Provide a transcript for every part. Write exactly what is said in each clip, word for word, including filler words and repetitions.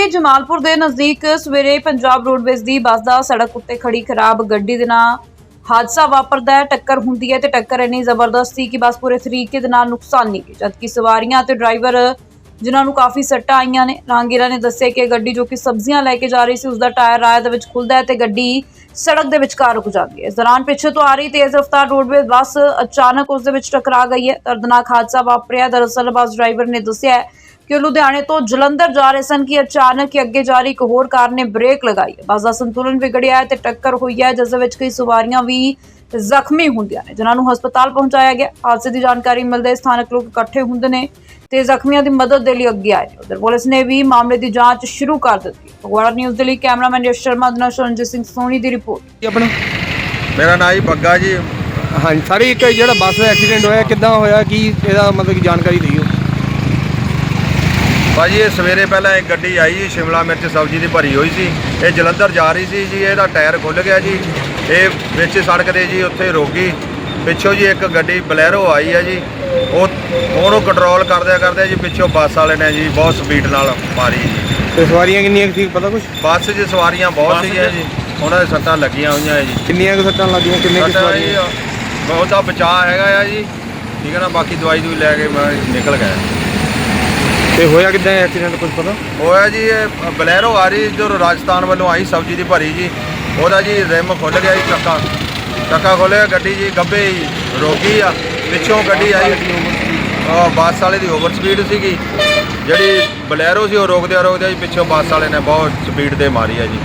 जमालपुर के नज़दीक सवेरे पंजाब रोडवेज की बस का सड़क उत्ते खड़ी खराब गड्डी दे नाल हादसा वापरदा है। टक्कर हुंदी है ते टक्कर इन्नी जबरदस्त सी कि बस पूरे तरीके दे नाल नुकसानी गई, जबकि सवारियां ते ड्राइवर जिन्हां नूं काफ़ी सट्टां आईयां ने। राहगीरां ने दस्सिया कि गड्डी जो कि सब्जियां लैके जा रही सी, उसका टायर राह दे विच खुलदा है ते गड्डी सड़क दे विचकार रुक जाती है। इस दौरान पिछे तो आ रही तेज़ रफ्तार रोडवेज बस अचानक उस दे विच टकरा गई है। दर्दनाक हादसा वापरिया। दरअसल बस ड्राइवर ने दस्सिया कि लुधियाने तो जलंधर जा रहे सन कि अचानक ही अगे जा रही एक होर कार ने ब्रेक लगाई है। बस का संतुलन बिगड़िया है ते टक्कर हुई है, जिस दे विच कई सवारियां भी जख्मी होंदियां ने, जिन्हां नूं हस्पताल पहुंचाया गया। हादसे की जानकारी मिलते स्थानक लोग इकट्ठे होंदे ने ते जख्मियों की मदद के लिए अगे आए। उधर पुलिस ने भी मामले की जांच शुरू कर दी। फगवाड़ा न्यूज़ के लिए कैमरामैन यश शर्मा दे नाल रंजीत सिंह सोनी की रिपोर्ट। अपना मेरा नाम जी बग्गा जी। हाँ जी, सारी एक जो बस का एक्सीडेंट होया किद्दां होया कि ਇਹਦਾ मतलब कि जानकारी दिओ भाजी। ये सवेरे पहला एक गड्डी आई जी, शिमला मिर्च सब्जी की भरी हुई सी, ये जलंधर जा रही सी जी। ਇਹਦਾ टायर खुल गया जी, ये विच सड़क दे जी उत्थे रुक गई। पिछों जी एक गड्डी बलैरो आई है जी, ਉਹਨੂੰ कंट्रोल करदे करदे जी पिछों बस वाले ने जी बहुत स्पीड नाल मारी जी। ਤੇ ਸਵਾਰੀਆਂ ਕਿੰਨੀਆਂ ਸੀ पता कुछ? बस च सवारियां बहुत सी जी, ਉਹਨਾਂ ਦੇ ਸੱਟਾਂ ਲੱਗੀਆਂ ਹੋਈਆਂ ਹੈ ਜੀ। ਕਿੰਨੀਆਂ ਕੁ ਸੱਟਾਂ ਲੱਗੀਆਂ, ਕਿੰਨੇ ਕੁ ਸਵਾਰੀਆਂ? ਬਹੁਤ ਦਾ ਬਚਾਅ ਹੈਗਾ ਆ ਜੀ, ਠੀਕ ਹੈ ਨਾ। ਬਾਕੀ ਦਵਾਈ ਦੂਈ ਲੈ ਕੇ ਮੈਂ ਨਿਕਲ ਗਿਆ। ਤੇ ਹੋਇਆ ਕਿੱਦਾਂ ਐਕਸੀਡੈਂਟ ਕੁਝ ਪਤਾ ਹੋਇਆ ਜੀ? ਇਹ ਬਲੈਰੋ ਆ ਰਹੀ ਜੋ ਰਾਜਸਥਾਨ ਵੱਲੋਂ ਆਈ ਸਬਜ਼ੀ ਦੀ ਭਰੀ ਜੀ, ਉਹਦਾ ਜੀ ਰਿਮ ਖੁੱਲ ਗਿਆ ਜੀ, ਚੱਕਾ ਚੱਕਾ ਖੋਲ੍ਹਿਆ, ਗੱਡੀ ਜੀ ਗੱਭੇ ਹੀ ਰੁਕ ਗਈ ਆ। ਪਿੱਛੋਂ ਗੱਡੀ ਆਈ ਬੱਸ ਵਾਲੇ ਦੀ ਓਵਰ ਸਪੀਡ ਸੀਗੀ, ਜਿਹੜੀ ਬਲੈਰੋ ਸੀ ਉਹ ਰੋਕਦਿਆਂ ਰੋਕਦਿਆਂ ਜੀ ਪਿੱਛੋਂ ਬੱਸ ਵਾਲੇ ਨੇ ਬਹੁਤ ਸਪੀਡ ਦੇ ਮਾਰੀ ਆ ਜੀ।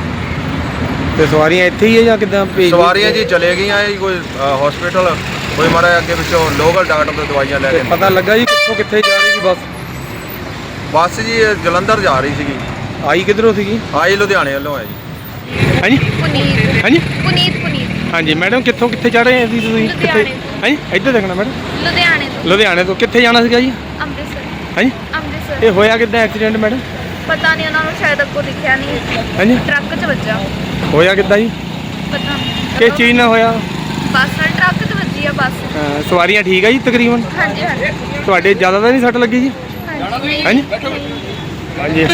ਤੇ ਸਵਾਰੀਆਂ ਇੱਥੇ ਹੀ ਹੈ ਜਾਂ ਕਿੱਦਾਂ? ਸਵਾਰੀਆਂ ਜੀ ਚਲੇ ਗਈਆਂ ਜੀ, ਕੋਈ ਹਸਪੀਟਲ, ਕੋਈ ਮਾਰਾ ਅੱਗੇ ਪਿੱਛੋਂ ਲੋਕਲ ਡਾਕਟਰ ਤੋਂ ਦਵਾਈਆਂ ਲੈ ਕੇ। ਪਤਾ ਲੱਗਾ ਜੀ ਕਿੱਥੋਂ ਕਿੱਥੇ ਜਾ ਰਹੀ ਸੀ ਬੱਸ? ਬੱਸ ਜੀ ਜਲੰਧਰ ਜਾ ਰਹੀ ਸੀਗੀ। ਆਈ ਕਿੱਧਰੋਂ ਸੀਗੀ? ਆਈ ਲੁਧਿਆਣੇ ਵੱਲੋਂ ਹੈ ਜੀ। ਹਾਂਜੀ ਪੁਨੀਤ ਹਾਂਜੀ ਪੁਨੀਤ ਪੁਨੀਤ ਹਾਂਜੀ ਮੈਡਮ, ਕਿੱਥੋਂ ਕਿੱਥੇ ਜਾ ਰਹੇ ਸੀ ਤੁਸੀਂ? ਕਿੱਥੇ? ਹਾਂਜੀ ਇੱਧਰ ਦੇਖਣਾ ਮੈਡਮ। ਲੁਧਿਆਣੇ ਤੋਂ ਲੁਧਿਆਣੇ ਤੋਂ ਕਿੱਥੇ ਜਾਣਾ ਸੀਗਾ ਜੀ? ਅੰਮ੍ਰਿਤਸਰ ਹਾਂਜੀ ਅੰਮ੍ਰਿਤਸਰ ਇਹ ਹੋਇਆ ਕਿੱਦਾਂ ਐਕਸੀਡੈਂਟ ਮੈਡਮ? ਪਤਾ ਨਹੀਂ, ਉਹਨਾਂ ਨੂੰ ਸ਼ਾਇਦ ਅੱਗੋਂ ਦਿਖਿਆ ਨਹੀਂ, ਹਾਂਜੀ ਟਰੱਕ 'ਚ ਵੱਜਾ। ਹੋਇਆ ਕਿੱਦਾਂ ਜੀ? ਪਤਾ ਨਹੀਂ ਕਿਸ ਚੀਜ਼ ਨਾਲ ਹੋਇਆ? ਬੱਸ ਨਾਲ ਟਰੱਕ 'ਚ ਵੱਜੀ ਆ ਬੱਸ। ਅਹ ਸਵਾਰੀਆਂ ਠੀਕ ਆ ਜੀ ਤਕਰੀਬਨ? ਹਾਂਜੀ ਹਾਂਜੀ ਤੁਹਾਡੇ ਜ਼ਿਆਦਾ ਤਾਂ ਨਹੀਂ ਸੱਟ ਲੱਗੀ ਜੀ? ਹਾਂਜੀ ਹਾਂਜੀ ਹਾਂਜੀ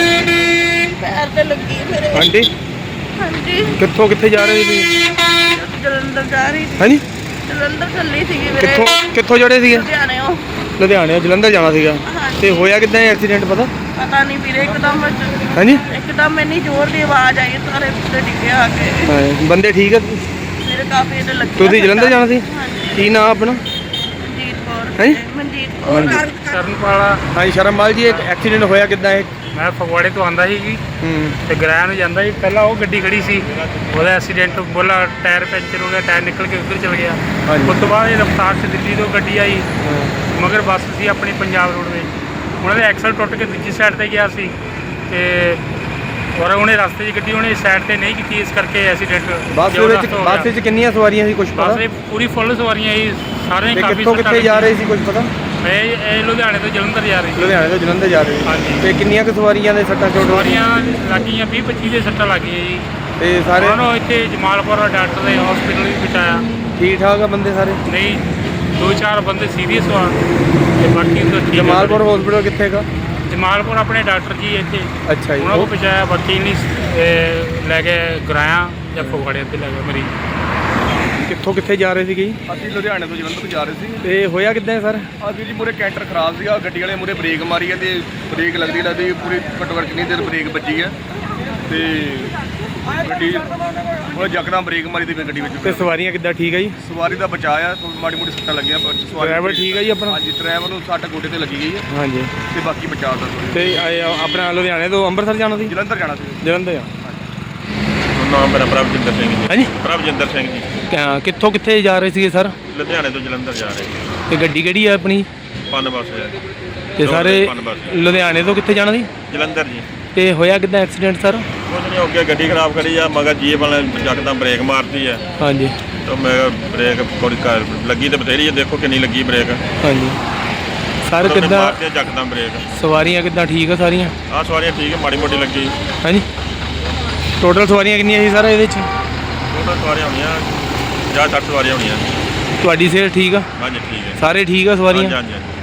ਪੈਰ ਤੇ ਲੱਗੀ ਮੇਰੇ। ਆਂਟੀ ਹਾਂਜੀ ਕਿੱਥੋਂ ਕਿੱਥੇ ਜਾ ਰਹੇ ਸੀ? ਜਲੰਧਰ ਜਾ ਰਹੀ ਸੀ। ਹਾਂਜੀ ਜਲੰਧਰ ਚੱਲੀ ਸੀਗੀ ਮੇਰੇ। ਕਿੱਥੋਂ ਕਿੱਥੋਂ ਜੜੇ ਸੀਗੇ? ਲੁਧਿਆਣੇ ਉਹ ਲੁਧਿਆਣੇ ਜਲੰਧਰ ਜਾਣਾ ਸੀਗਾ। ਹਾਂਜੀ। ਤੇ ਹੋਇਆ ਕਿੱਦਾਂ ਐਕਸੀਡੈਂਟ ਪਤਾ? ਪਤਾ ਨਹੀਂ ਵੀਰੇ, ਇੱਕਦਮ ਹਾਂਜੀ ਇੱਕਦਮ ਇੰਨੀ ਜ਼ੋਰ ਦੀ ਆਵਾਜ਼ ਆਈ, ਸਾਰੇ ਉੱਤੇ ਡਿੱਗਿਆ ਆ ਕੇ। ਹਾਂ, ਬੰਦੇ ਠੀਕ ਆ? ਮੇਰੇ ਕਾਫੀ ਇਹਦੇ ਲੱਗੀ। ਤੁਸੀਂ ਜਲੰਧਰ ਜਾਣਾ ਸੀ? ਹਾਂਜੀ। ਕੀ ਨਾਮ ਆਪਣਾ? ਮਨਜੀਤ ਕੌਰ। ਹੈਂ? ਮਨਜੀਤ ਕੌਰ। ਸ਼ਰਨਪਾਲਾ। ਹਾਂਜੀ ਸ਼ਰਮਪਾਲ ਜੀ, ਇੱਕ ਐਕਸੀਡੈਂਟ ਹੋਇਆ ਕਿੱਦਾਂ ਇਹ? ਮੈਂ ਫਗਵਾੜੇ ਤੋਂ ਆਂਦਾ ਸੀ ਜੀ ਹੂੰ ਤੇ ਗਰਾਇਆ ਨੂੰ ਜਾਂਦਾ ਸੀ। ਪਹਿਲਾਂ ਉਹ ਗੱਡੀ ਖੜੀ ਸੀ, ਉਹਦਾ ਐਕਸੀਡੈਂਟ ਬੋਲਾ ਟਾਇਰ ਪੈਂਚਰ ਹੋ ਗਿਆ, ਟਾਇਰ ਨਿਕਲ ਕੇ ਉੱਧਰ ਚਲ ਗਿਆ। ਹਾਂਜੀ। ਉਸ ਤੋਂ ਬਾਅਦ ਇਹ ਰਫਤਾਰ 'ਚ ਦਿੱਲੀ ਤੋਂ ਗੱਡੀ ਆਈ, ਹਾਂ। ਮਗਰ ਬੱਸ ਸੀ ਆਪਣੀ ਪੰਜਾਬ ਰੋਡਵੇਜ਼, ਉਹਨਾਂ ਦੇ ਐਕਸਲ ਟੁੱਟ ਕੇ ਦੂਜੀ ਸਾਈਡ 'ਤੇ ਗਿਆ ਸੀ ਤੇ ਔਰ ਉਹਨੇ ਰਸਤੇ 'ਚ ਗੱਡੀ ਉਹਨੇ ਸਾਈਡ 'ਤੇ ਨਹੀਂ ਕੀਤੀ, ਇਸ ਕਰਕੇ ਐਕਸੀਡੈਂਟ ਬੱਸ ਦੇ ਵਿੱਚ ਬੱਸ ਵਿੱਚ ਕਿੰਨੀਆਂ ਸਵਾਰੀਆਂ ਸੀ ਕੁਝ ਪਤਾ? ਬੱਸ ਦੇ ਪੂਰੀ ਫੁੱਲ ਸਵਾਰੀਆਂ ਸੀ, ਸਾਰੇ ਤੇ ਕਾਫੀ ਕਿੱਥੋਂ ਕਿੱਥੇ ਜਾ ਰਹੇ ਸੀ ਕੁਝ ਪਤਾ? ਇਹ ਇਹ ਲੁਧਿਆਣੇ ਤੋਂ ਜਲੰਧਰ ਜਾ ਰਹੀ ਸੀ। ਲੁਧਿਆਣੇ ਤੋਂ ਜਲੰਧਰ ਜਾ ਰਹੇ ਸੀ। ਹਾਂਜੀ। ਤੇ ਕਿੰਨੀਆਂ ਕੁ ਸਵਾਰੀਆਂ ਦੇ ਸੱਟਾਂ ਚੋਟ? ਸਵਾਰੀਆਂ ਲੱਗੀਆਂ ਵੀਹ ਪੱਚੀ ਦੇ ਸੱਟਾਂ ਲੱਗੀਆਂ ਜੀ। ਤੇ ਸਾਰੇ ਉਹਨਾਂ ਨੂੰ ਇੱਥੇ ਜਮਾਲਪੁਰ ਡਾਕਟਰ ਦੇ ਹਸਪੀਟਲ ਵੀ ਪਹੁੰਚਾਇਆ। ਠੀਕ ਠਾਕ ਆ ਬੰਦੇ ਸਾਰੇ? ਨਹੀਂ, ਦੋ ਚਾਰ ਬੰਦੇ ਸੀਰੀਅਸ ਆ ਤੇ ਬਾਕੀ ਤਾਂ ਠੀਕ ਆ। ਜਮਾਲਪੁਰ ਹਸਪੀਟਲ ਕਿੱਥੇ ਗਾ? ਜਮਾਲਪੁਰ ਆਪਣੇ ਡਾਕਟਰ ਜੀ ਇੱਥੇ, ਅੱਛਾ ਜੀ। ਉਹਨਾਂ ਕੋਲ ਪਹੁੰਚਾਇਆ। ਬਾਕੀ ਨਹੀਂ ਇਹ ਲੈ ਕੇ ਗਰਾਇਆ ਜਾਂ ਫਗਵਾੜੇ ਤੇ ਲੈ ਗਏ ਮਰੀਜ਼। ਕਿੱਥੋਂ ਕਿੱਥੇ ਜਾ ਰਹੇ ਸੀਗੇ ਜੀ? ਅਸੀਂ ਲੁਧਿਆਣੇ ਤੋਂ ਜਲੰਧਰ ਤੋਂ ਜਾ ਰਹੇ ਸੀ। ਤੇ ਹੋਇਆ ਕਿੱਦਾਂ ਸਰ? ਅਸੀਂ ਜੀ ਮੂਹਰੇ ਕੈਂਟਰ ਖਰਾਬ ਸੀਗਾ, ਗੱਡੀ ਵਾਲੇ ਮੂਹਰੇ ਬ੍ਰੇਕ ਮਾਰੀ ਹੈ ਤੇ ਬ੍ਰੇਕ ਲੱਗਦੀ ਲੱਗਦੀ ਪੂਰੀ ਘੱਟੋ ਘੱਟ ਕਿੰਨੀ ਦੇਰ ਬ੍ਰੇਕ ਵੱਜੀ ਹੈ ਤੇ ਗੱਡੀ ਉਹ ਯਕਦਮ ਬ੍ਰੇਕ ਮਾਰੀ ਤੇ ਫਿਰ ਗੱਡੀ ਵਿੱਚ। ਤੇ ਸਵਾਰੀਆਂ ਕਿੱਦਾਂ ਠੀਕ ਆ ਜੀ? ਸਵਾਰੀ ਦਾ ਬਚਾਅ ਆ, ਮਾੜੀ ਮੋਟੀ ਸੱਟਾਂ ਲੱਗੀਆਂ ਪਰ ਸਵਾਰੀ ਡਰਾਈਵਰ ਠੀਕ ਆ ਜੀ ਆਪਣਾ? ਹਾਂਜੀ, ਡਰਾਈਵਰ ਨੂੰ ਸੱਟ ਗੋਡੇ ਤੇ ਲੱਗੀ ਗਈ ਹੈ ਹਾਂਜੀ। ਤੇ ਬਾਕੀ ਬਚਾਅ ਦਾ ਤੇ ਇਹ ਆਪਣਾ ਲੁਧਿਆਣੇ ਤੋਂ ਅੰਮ੍ਰਿਤਸਰ ਜਾਣਾ ਸੀ? ਜਲੰਧਰ ਜਾਣਾ ਸੀ। ਜਲੰਧਰ ਆ। ਨਾਮ ਮੇਰਾ ਪ੍ਰਭਜਿੰਦਰ ਸਿੰਘ ਜੀ। ਹਾਂਜੀ ਪ੍ਰਭਜਿੰਦਰ ਸਿੰਘ ਜੀ। ਕਿਆ- ਕਿੱਥੋਂ ਕਿੱਥੇ ਜਾ ਰਹੇ ਸੀਗੇ ਸਰ? ਲੁਧਿਆਣੇ ਤੋਂ ਜਲੰਧਰ ਜਾ ਰਹੇ ਤੇ ਗੱਡੀ ਕਿਹੜੀ ਆ ਆਪਣੀ? ਪੰਨ ਬੱਸ ਹੈ ਤੇ ਸਾਰੇ ਪੰਨ ਬੱਸ ਲੁਧਿਆਣੇ ਤੋਂ ਕਿੱਥੇ ਜਾਣਾ ਸੀ? ਜਲੰਧਰ ਜੀ। ਤੇ ਹੋਇਆ ਕਿੱਦਾਂ ਐਕਸੀਡੈਂਟ ਸਰ? ਕੁਝ ਨਹੀਂ ਹੋ ਗਿਆ, ਗੱਡੀ ਖਰਾਬ ਖੜੀ ਆ, ਮਗਰ ਜੀਪ ਵਾਲੇ ਯਕਦਮ ਬ੍ਰੇਕ ਮਾਰਤੀ ਹੈ ਹਾਂਜੀ ਤਾਂ ਮੈਂ ਬ੍ਰੇਕ ਥੋੜੀ ਕਰ ਲੱਗੀ ਤੇ ਬਥੇਰੀ ਹੈ, ਦੇਖੋ ਕਿੰਨੀ ਲੱਗੀ ਬ੍ਰੇਕ। ਹਾਂਜੀ ਸਰ ਉਹਨੇ ਕਿੱਦਾਂ ਮਾਰਤੀ ਆ ਯਕਦਮ ਬ੍ਰੇਕ। ਸਵਾਰੀਆਂ ਕਿੱਦਾਂ ਠੀਕ ਆ ਸਾਰੀਆਂ? ਆਹ ਸਵਾਰੀਆਂ ਠੀਕ ਹੈ, ਮਾੜੀ ਮੋਟੀ ਲੱਗੀ। ਹਾਂਜੀ ਟੋਟਲ ਸਵਾਰੀਆਂ ਕਿੰਨੀਆਂ ਸੀ ਸਰ ਇਹਦੇ 'ਚ? ਉਹਨਾਂ ਸਵਾਰੀਆਂ ਹੋਣੀਆਂ ਪੰਜਾਹ ਸੱਠ ਸਵਾਰੀਆਂ ਹੋਣੀਆਂ। ਤੁਹਾਡੀ ਸਿਹਤ ਠੀਕ ਆ? ਹਾਂਜੀ ਠੀਕ ਹੈ। ਸਾਰੇ ਠੀਕ ਆ ਸਵਾਰੀਆਂ? ਹਾਂਜੀ ਹਾਂਜੀ।